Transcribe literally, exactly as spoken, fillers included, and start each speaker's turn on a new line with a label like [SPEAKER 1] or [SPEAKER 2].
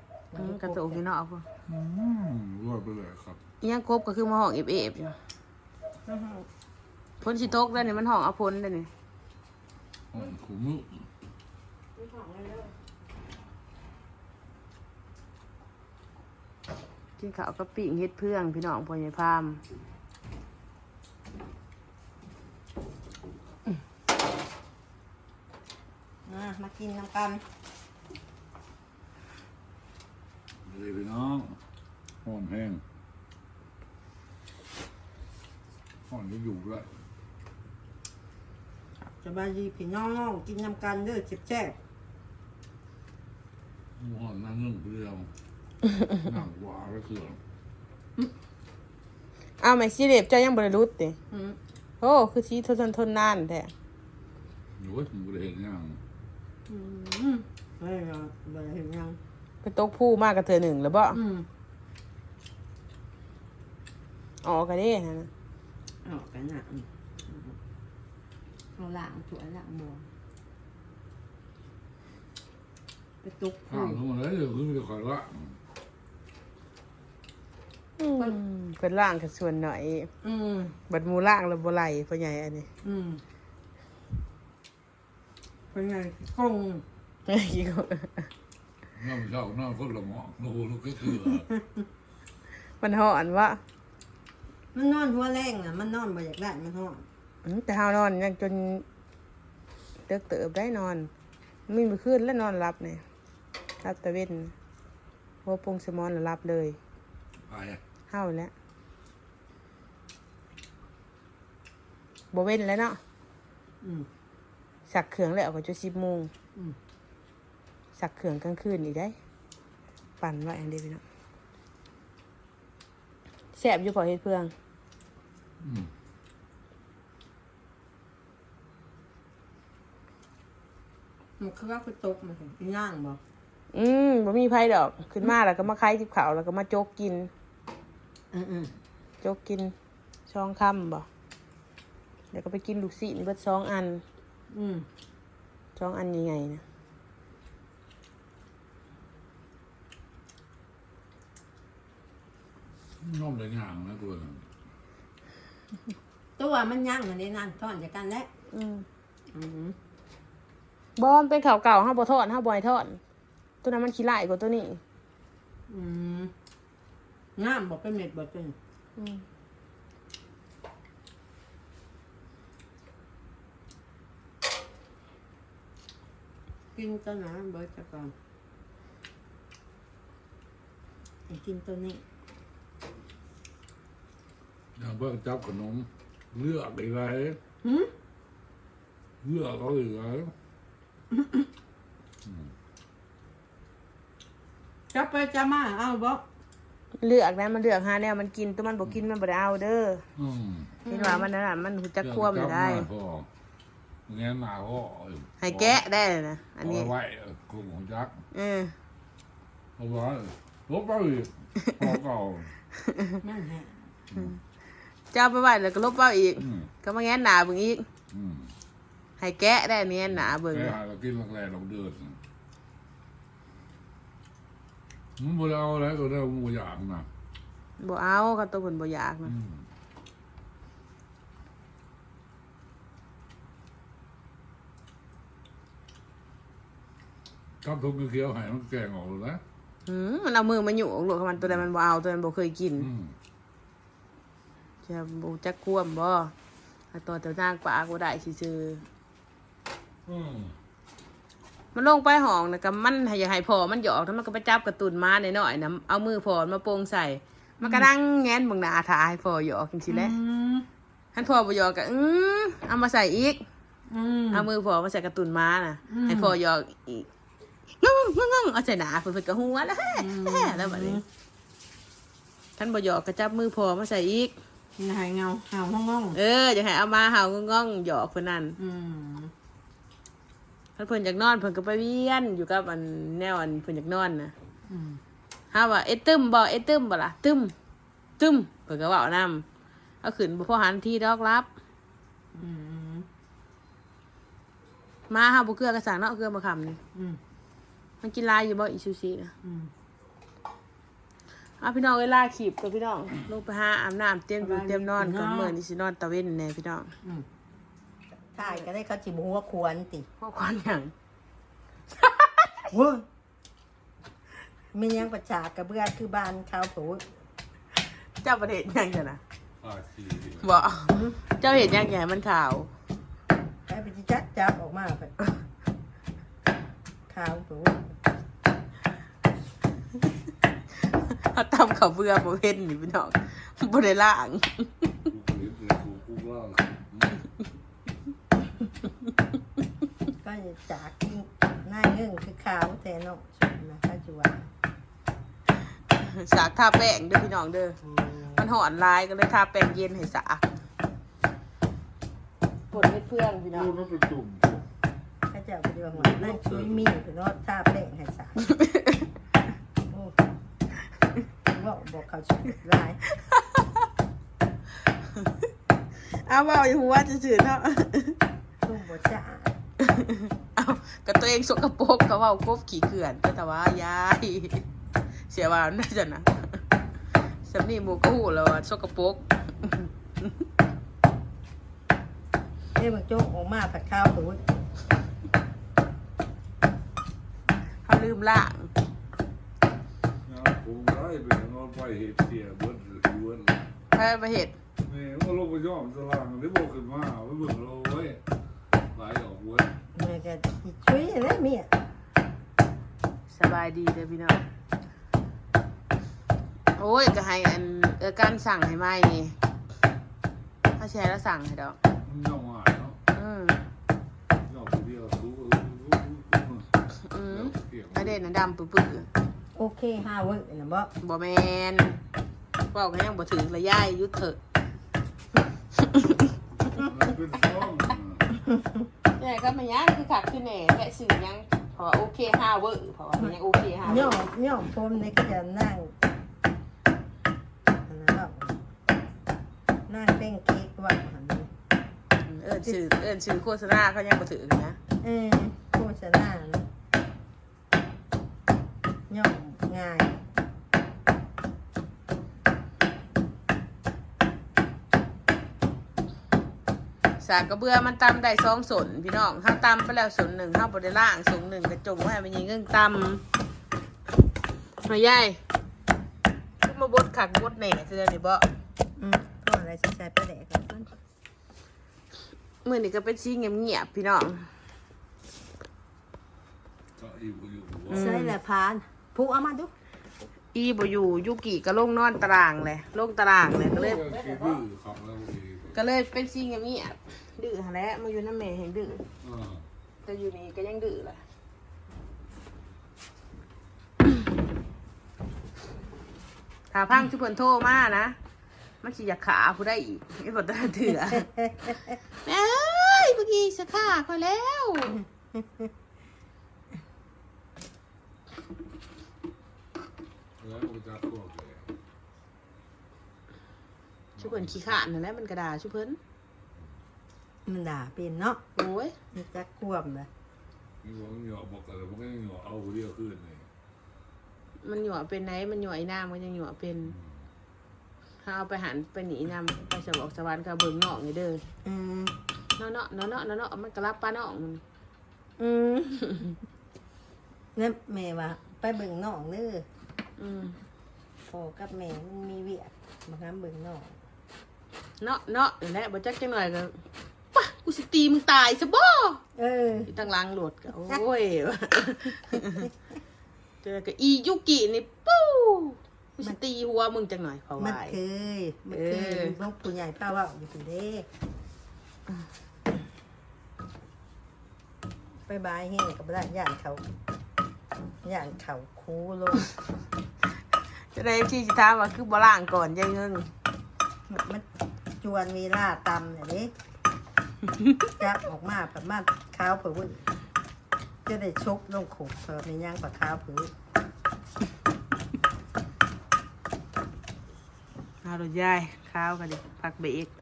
[SPEAKER 1] กระตุกอยู่เนาะพ่อ
[SPEAKER 2] อืมรวดไปเลยครับ
[SPEAKER 1] ยังครบก็คือมาห้องเอฟเอฟอยู่พ้นสิตกได้เนี่ยมันห้องเอาพ้นได้เนี่ย
[SPEAKER 2] ห้องขุม
[SPEAKER 1] กินข้าวกับปิ้งเฮ็ดเพื่องพี่น้องพ่อใหญ่พาม
[SPEAKER 3] มากินน้ำกัน
[SPEAKER 2] เลยพี่น้องห้อนแห้งห้อนจะอยู่แล้ว
[SPEAKER 3] สบายดีพี่น้องกินน้ำกันเด้อเจ็บแจ๊บ
[SPEAKER 2] ห้อนนั่งนึ่งเดียวนั่งหวาก็คือ
[SPEAKER 1] อ้าวแม่ซีเล็บเจ้ายังบริรุษติ
[SPEAKER 3] อืม
[SPEAKER 1] โอ้คือชีทนทนทนนานแท้
[SPEAKER 2] โอ้ยผมเลยเห็นยัง
[SPEAKER 3] อืมไม่หรอกบ่ได้เห็นยัง
[SPEAKER 1] ไปตกผู้มากกับเธอหนึ่งแล้วบ่
[SPEAKER 3] อืม
[SPEAKER 1] ออกกันเด้นะ
[SPEAKER 3] ออกกันน่ะอืมเอาล้างถ้วยล้างหม้อไปตุก
[SPEAKER 2] ข้าวทั้งหมดเลยเดี๋ยวคือจะขอละ
[SPEAKER 1] อืมเป็นล่างกับส่วนหน่อย
[SPEAKER 3] อืม
[SPEAKER 1] บัดหมูล่างแล้วบ่ไหลพ่อใหญ่อันนี้
[SPEAKER 3] อืมเป็นไงกง
[SPEAKER 1] เฮ้ยอีกคน
[SPEAKER 2] น้ำเช้าน้ำฝนละหมอกโอ้โหลูกก็คือ
[SPEAKER 1] มันห่อนวะ
[SPEAKER 3] มันนอนหัวแรงน่ะมันนอนบ่อยากได้มันห้อน
[SPEAKER 1] อืมแต่เฮานอนยังจนเติกเติบได้นอนไม่มีคืนแล้วนอนรับเนี่ยรับตะเว้นหัวปงสมอนแล้วรับเลย
[SPEAKER 2] ไปอ่ะ
[SPEAKER 1] เฮาแล้วบ่เว้นแล้วเนาะ
[SPEAKER 3] อืม
[SPEAKER 1] สักเขื่องแล้วก็จะสิบโมง
[SPEAKER 3] อืม
[SPEAKER 1] สักเขื่องกลางคืนอีกได้ ปั่นไว้อันเดียวพี่เนาะแซ่บอยู่พอเฮ็ดเพื่อง
[SPEAKER 2] อืม
[SPEAKER 3] มันคือว่าไปตกมันถึงย่างบ่
[SPEAKER 1] อืมบ่มีไผดอกขึ้นมาแล้วก็มาคายทิพเขาวแล้วก็มาโจกกิน
[SPEAKER 3] อืมอืม
[SPEAKER 1] โจกกินช่องค่ำบ่แล้วก็ไปกินลูกศิษย์เบิดสองอัน
[SPEAKER 3] อืม
[SPEAKER 1] สองอันยังไงนะ
[SPEAKER 2] น้องเลยย่างนะตัวนึง
[SPEAKER 3] ตัวมันย่างอันนี้นั่นทอดจากกันแล้ว
[SPEAKER 1] อืม
[SPEAKER 3] อืม
[SPEAKER 1] บอมเป็นข่าวเก่าห้าบ่ทอดห้าบ่อยทอดตัวนั้นมันขี้ไล่กว่าตัวนี้
[SPEAKER 3] อืมงามบ่เป็นเม็ดบ่เป็น
[SPEAKER 1] อืม
[SPEAKER 3] กินตัวนั้นเบิดจะก่อนไอ้กินตัวนี้
[SPEAKER 2] อย่างเพิ่งจับขนมเลือกอีกไร
[SPEAKER 3] หืม
[SPEAKER 2] เลือกเขาอีกไร
[SPEAKER 3] จะไปจะมาเอาบ่
[SPEAKER 1] เลือกนะมันเลือกหาแนวมันกินตัวมันบ่กินมันบ่ได้เอาเด้อ
[SPEAKER 2] อืม
[SPEAKER 1] เห็นว่ามันนั่นน่ะมันหูจักควมได้
[SPEAKER 2] พอแง่หนาพ่อ
[SPEAKER 1] ให้แกะได้เลยนะอันนี้
[SPEAKER 2] เอาไว้กลุ่มของจัก
[SPEAKER 1] เออ
[SPEAKER 2] เอาไว้ลบไปอีกพอเก่า
[SPEAKER 3] นั่นแหละ
[SPEAKER 1] จะเอาไปไว้แล้วก็ลบเอาอีก
[SPEAKER 2] อืม
[SPEAKER 1] ก็มาแง้นหนาเบิ่งอีก
[SPEAKER 2] อืม
[SPEAKER 1] ให้แกะได้แง้นหนาเบิ่ง
[SPEAKER 2] ไปหาเรากินแรกๆเราเดินมันบ่ได้เอาอะไรก็ได้มันบ่อยากนะ
[SPEAKER 1] บ่เอาก็ตัวเพิ่นบ่อยากนะ
[SPEAKER 2] อืมกับทุกเขียวๆให้มันแกงออกเลยนะ
[SPEAKER 1] อืมมันเอามือมาหยุ่งลูกของมันตัวใดมันบ่เอาตัวนั้นบ่เคยกิน
[SPEAKER 2] อืม
[SPEAKER 1] จะบ่จักควมบ่ถ้าตัวเจ้านางปากบ่ได้ซื่อ
[SPEAKER 2] อืม
[SPEAKER 1] ๆมันลงไปห้องน่ะก็มันให้อยากให้พอมันหยอกแล้วมันก็ไปจับกระตุนมาหน่อยๆนะเอามือพอมาโปงใส่ มันก็นั่งแง้นเบิ่งหน้าท่าให้พอหยอกจังซี่แหละ
[SPEAKER 3] อืม
[SPEAKER 1] ท่านพอบ่หยอกก็อือเอามาใส่อีก
[SPEAKER 3] อืม
[SPEAKER 1] เอามือพอมาใส่กระตุนมาน่ะ
[SPEAKER 3] อืม
[SPEAKER 1] ให้พอหยอกอีกงงงงเอาใส่หน้าเพิ่นๆก็หัวแล้วแฮ่แฮ่แล้วบัดนี้ท่านบ่หยอกก็จับมือพอมาใส่อีก
[SPEAKER 3] หายเงาหาวห้อง
[SPEAKER 1] เอออยากให้เอามาเห่างงงหยอกเพิ่นนั่น
[SPEAKER 3] ๆอืม
[SPEAKER 1] ถ้าเพิ่นอยากนอนเพิ่นก็ไปเวียนอยู่กับอันแนวอันเพิ่นอยากนอนน่ะ
[SPEAKER 3] อืม
[SPEAKER 1] ฮาว่าเอ้ตึมบ่เอ้ตึมบ่ล่ะตึมตึมเพิ่นก็เว้านำเอาขึ้นบ่พอหันทีดอกรับ
[SPEAKER 3] อืม
[SPEAKER 1] มาเฮาบ่เกลือกระสังเนาะเกลือบ่คำนี่
[SPEAKER 3] อืม
[SPEAKER 1] มันกินลายอยู่บ่อีซูชิน่ะ
[SPEAKER 3] อืม
[SPEAKER 1] เอาพี่น้องเวลาขีบกับพี่น้องลงไปหาอาบน้ำเตรียมอยู่เตรียมนอนก่อนเมื่อนี่สินอนตะเว้นแน่พี่น้อง
[SPEAKER 3] อืมถ่ายก็ได้เขาจิบหัวควรติ
[SPEAKER 1] พวกควันอย่าง
[SPEAKER 3] เว้ยมียังประชากระเบื้องคือบ้านเขาผูด
[SPEAKER 1] เจ้าประเทศยังไงนะ
[SPEAKER 2] ปาชี
[SPEAKER 1] บอกเจ้าเห็นยังไงมันขาว
[SPEAKER 3] ไปไปจัดจับออกมาไปขาวผูด
[SPEAKER 1] เขาทำเขาวเบื่อประเภทนี่พี่น้องบริล่าง
[SPEAKER 2] กูเห็นกูกูล่าง
[SPEAKER 3] ก็จะจากที่หน้าเงื่งคือขาวแต่เนาะสุดนะข้าจัว
[SPEAKER 1] สากทาแป้งเด้อพี่น้องเด้อมันหอนลายก็เลยทาแป้งเย็นให้สากปวดเม็ดเพื่องพี่น้อง
[SPEAKER 2] กูนั่นเป็นตุ่ม
[SPEAKER 3] ข้าเจ้าไปดูหัวนั่งช่วยมีคือเนาะท่าแป้งให้สายโอ้บอกบอกเขาชุดลาย
[SPEAKER 1] เอาเบาอย่าหัวจะจืดเนาะ
[SPEAKER 3] ตุ้มบดจ้า
[SPEAKER 1] เอากับตัวเองสกปรกก็เว่ากบขี่เขื่อนแต่ว่ายายเสียว่าน่าจะนะสำนีหมูก็หูแล้วว่าสกปรก
[SPEAKER 3] เอ้ยมันโจ๊กออกมาผัดข้าวผูด
[SPEAKER 1] เขาลืมล่าง
[SPEAKER 2] งานกูได้เป็นงานไปเฮ็ดเสียเบิดหรือเบิด
[SPEAKER 1] ไปไปเห็ด
[SPEAKER 2] แม่ว่าลงไปย่อมสลางได้บอกขึ้นมาไว้เบิ่งเราไว้ไหลออกเว้ย
[SPEAKER 3] แม่ก็ช่วยอะไรเมีย
[SPEAKER 1] สบายดีเลยพี่น้องโอ้ยก็ให้อันเออการสั่งให้ไหมนี่ถ้าแชร์แล้วสั่งให้ดอก
[SPEAKER 2] มันย่อมหายเนาะ
[SPEAKER 1] อืม
[SPEAKER 2] ย่อมเดียวรู้
[SPEAKER 1] อืมไอเด่นน่ะดำปื้อ
[SPEAKER 3] โอเคห้าเว้ยนะบ่
[SPEAKER 1] ๆบ่แมนบอกกันยังบ่ถึงระยายยุดเถอะ
[SPEAKER 2] มันเป็นฟ้อง
[SPEAKER 1] แต่ก็มันยังคือขัดคือแหน่แค่สื่อยังเพราะว่าโอเคห้าเวอร์เพราะว่ามันยังโอเคห้าเว
[SPEAKER 3] ย่อ
[SPEAKER 1] อร์
[SPEAKER 3] มย่อมพรมนี่ก็จะนั่งอันนั้นเนาะนั่งเป้งเค้กว่าอันนี้
[SPEAKER 1] เอิ้นชื่อเอิ้นชื่อโฆษณาเขายังบ่ถึงนะ
[SPEAKER 3] เออโฆษณานะย่อมง่าย
[SPEAKER 1] สากกระเบือมันตำได้สองสนพี่น้องเฮาตำไปแล้วสนหนึ่งเฮาบ่ได้ล่างสนหนึ่งกระจงไว้ให้มันยิงเงิงตำหน่อยยายขึ้นมาบดขักบดแหน่คือนี่บ่
[SPEAKER 3] อืมก็อะไรใช้ใช้ประแดกกันต้น
[SPEAKER 1] มื้อนี้ก็เป็นสีเงียบๆพี่น้อง
[SPEAKER 2] ก็อยู่อยู่
[SPEAKER 3] ใช่แหละพานผู้เอามาดู
[SPEAKER 1] อีบ่อยู่ยุกิก็ลงนอนตารางเลยลงตารางเลยก็เลย
[SPEAKER 2] คิดดื้อขับแล้วอีก
[SPEAKER 1] ก็เลยเป็นซีเงียบๆดื้อหาแหล้วมาอยู่น้ำแม่แห่งดื้อ
[SPEAKER 2] อ่า
[SPEAKER 1] แต่อยู่นี่ก็ยังดื้อแหละถ้าพังชุบเพิ่นโทรมานะมันสิอยากขาผู้ได้อีกไอ้บ่ได้เถื่อแม่เอ้ยเมื่อกี้สักขาเขาแล้ว
[SPEAKER 2] แล้วกูจะพวกเลย
[SPEAKER 1] ชุบเพิ่นขี้ขานนั่นแหละมันกระดาชุบเพิ่น
[SPEAKER 3] มันด่าเป็นเนาะ
[SPEAKER 1] โอ้ย
[SPEAKER 3] มันจะควบเลย
[SPEAKER 2] มีหวังหยอกบอกกันมันก็ยังหยอกเอาเดียวขึ้นเลย
[SPEAKER 1] มันหยั่วเป็นไหนมันหยั่วไอ้น้ำมันยังหยั่วเป็นถ้าเอาไปหันไปหนีน้ำไปสวรรค์สวรรค์กับเบิ่งนอกนี่เด้อ
[SPEAKER 3] อืม
[SPEAKER 1] เนาะเนาะเนาะเนาะเนาะเนาะมันกระลับป้าน้องมัน
[SPEAKER 3] อืมเนี่ยแม่ว่าไปเบิ่งน้องเด้อ
[SPEAKER 1] อืม
[SPEAKER 3] พ่อกับแม่มันมีเวียกมาหาเบิ่งน้อง
[SPEAKER 1] เนาะเนาะนั่นแหละบ่จักจังหน่อยก็ปะกูสิตีมึงตายซะบ่
[SPEAKER 3] เออ
[SPEAKER 1] อีตั้งหลังโหลดก็โอ้ย เจอกับอียุกินี่ปู้กูสิตีหัวมึงจังหน่อยเขา
[SPEAKER 3] มัน
[SPEAKER 1] วาย
[SPEAKER 3] เคยมันเคย
[SPEAKER 1] เออ
[SPEAKER 3] พวกผู้ใหญ่ป้าว่าอยู่เด้ไปบายเฮงกับได้ย่านเขาย่านเขาคูลง
[SPEAKER 1] จะได้ที่สิถามว่าคือบ่ล้างก่อนยายเงิง
[SPEAKER 3] มันจวนเวลาตำเนี่ยเด้จับออกมาประมาณข้าวเผือจะได้ชกลงขุกเผือในย่างปลาข้าวเผือ
[SPEAKER 1] เอาดอกยายข้าวกันดิพักเบรก